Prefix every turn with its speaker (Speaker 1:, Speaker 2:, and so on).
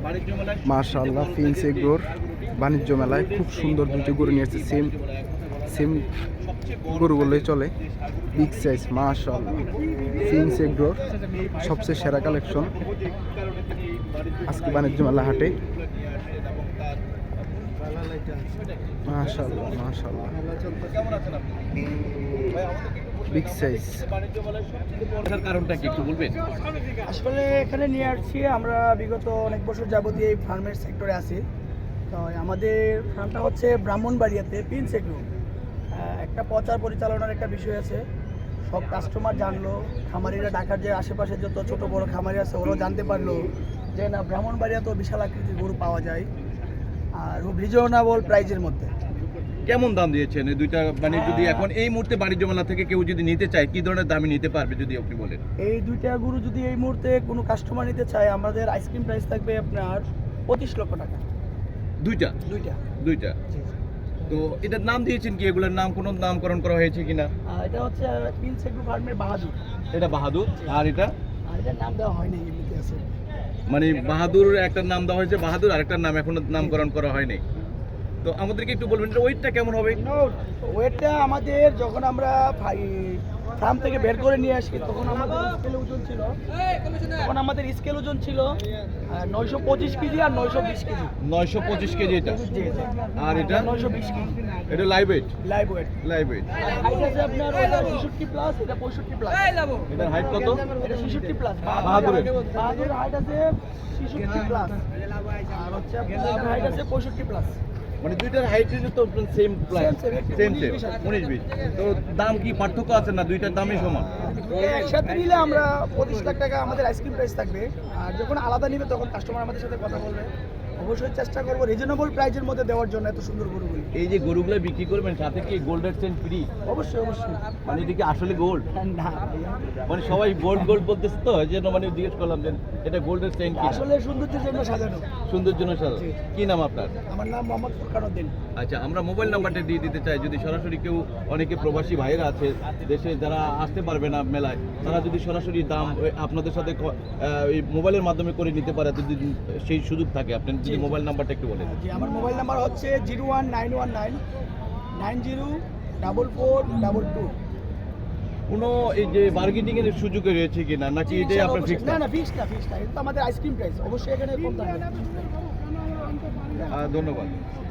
Speaker 1: মাশাআল্লাহ ফিন্স এগ্রোর বাণিজ্য মেলায় খুব সুন্দর দুটি গরু নিয়ে এসেছে। সেম গরুগুলোই চলে, বিগ সাইজ। মাশাআল্লাহ ফিন্স এগ্রোর সবচেয়ে সেরা কালেকশন আজকে বাণিজ্য মেলা হাটে। মাশাআল্লাহ মাশাআল্লাহ বিগ সাইজ।
Speaker 2: কারণটা কি একটু বলবেন?
Speaker 3: আসলে এখানে নিয়ে আসছি আমরা বিগত অনেক বছর যাবতীয় এই ফার্মের সেক্টরে আছি। তো আমাদের ফার্মটা হচ্ছে ব্রাহ্মণবাড়িয়াতে প্রিন্স এগ্রো। একটা প্রচার পরিচালনার একটা বিষয় আছে, সব কাস্টমার জানলো, খামারিরা ঢাকার যে আশেপাশে যত ছোট বড় খামারি আছে ওরাও জানতে পারলো যে না ব্রাহ্মণবাড়িয়াতেও বিশাল আকৃতির গরু পাওয়া যায় আর রিজনেবল প্রাইজের মধ্যে।
Speaker 2: কেমন দাম দিয়েছেন এই দুইটা? মানে যদি এখন এই মুহূর্তে বাণিজ্য মেলা থেকে কেউ যদি নিতে চায় কি ধরনের দামে নিতে পারবে যদি আপনি বলেন?
Speaker 3: এই দুইটা গরু যদি এই মুহূর্তে কোনো কাস্টমার নিতে চায় আমাদের আইসক্রিম প্রাইস থাকবে আপনার 25 লক্ষ টাকা।
Speaker 2: দুইটা? দুইটা। তো এটার নাম দিয়েছেন কি? এগুলোর নাম কোনো নামকরণ করা হয়েছে কিনা?
Speaker 3: এটা হচ্ছে প্রিন্স এগ্রো ফার্মের বাহাদুর।
Speaker 2: এটা বাহাদুর। আর
Speaker 3: এটার নাম দেওয়া হয়নি, এমনিতে আছে।
Speaker 2: মানে বাহাদুর একটা নাম দেওয়া হয়েছে, বাহাদুর আরেকটার নাম এখনো নামকরণ করা হয়নি। তো আমাদেরকে একটু বলবেন এটা ওয়েটটা কেমন হবে?
Speaker 3: ওয়েটটা আমাদের যখন আমরা ফার্ম থেকে বের করে নিয়ে আসি তখন আমাদের স্কেল ওজন ছিল 925 কেজি আর 920 কেজি।
Speaker 2: 925 কেজি এটা। আর এটা
Speaker 3: 920 কেজি।
Speaker 2: এটা লাইভ ওয়েট।
Speaker 3: হাইট আছে আপনার 66 প্লাস, এটা 65 প্লাস।
Speaker 2: এটার হাইট কত?
Speaker 3: এটা 66 প্লাস।
Speaker 2: বাহাদুরের
Speaker 3: হাইট আছে 66 প্লাস আর হচ্ছে আপনার হাইট আছে 65 প্লাস।
Speaker 2: মানে দুইটার হাইট তো সেম 19-20। তো দাম কি পার্থক্য আছে না দুইটার দামই সমান?
Speaker 3: একসাথে নিলে আমরা 25 লাখ টাকা আমাদের আইসক্রিম প্রাইস থাকবে, আর যখন আলাদা নিবে তখন কাস্টমার আমাদের সাথে কথা বলবে। অবশ্যই চেষ্টা করবো রিজনেবল প্রাইজের মধ্যে দেওয়ার জন্য এত সুন্দর গরুগুলি।
Speaker 2: এই যে গরুগুলো বিক্রি করবেন সাথে কি গোল্ডের চেন ফ্রি?
Speaker 3: অবশ্যই।
Speaker 2: মানে এটা কি আসলে গোল্ড?
Speaker 3: না
Speaker 2: মানে সবাই গোল্ড বলতেছে তো এই জন্য মানে জিজ্ঞেস করলাম যে এটা গোল্ডের চেন কি?
Speaker 3: আসলে সৌন্দর্যের জন্য সাজানো।
Speaker 2: সৌন্দর্যের জন্য সাজানো। কি নাম আপনার?
Speaker 3: আমার নাম মোহাম্মদ ফুরকান উদ্দিন।
Speaker 2: আচ্ছা, আমরা মোবাইল নাম্বারটা দিয়ে দিতে চাই যদি সরাসরি কেউ, অনেকে প্রবাসী ভাইয়েরা আছে দেশে যারা আসতে পারবে না মেলায়, তারা যদি সরাসরি দাম আপনাদের সাথে এই মোবাইলের মাধ্যমে করে নিতে পারে যদি সেই সুযোগ থাকে, আপনি যদি মোবাইল নাম্বারটা একটু বলেন।
Speaker 3: জি, আমার মোবাইল নাম্বার হচ্ছে 01919904422।
Speaker 2: কোনো এই যে বার্গেনিং এর সুযোগ রয়েছে কিনা নাকি এটাই আপনার ফিক্স?
Speaker 3: না ফিক্স না, এটা তো আমাদের আইসক্রিম প্রাইস, অবশ্যই এখানে কম থাকবে।
Speaker 2: ধন্যবাদ।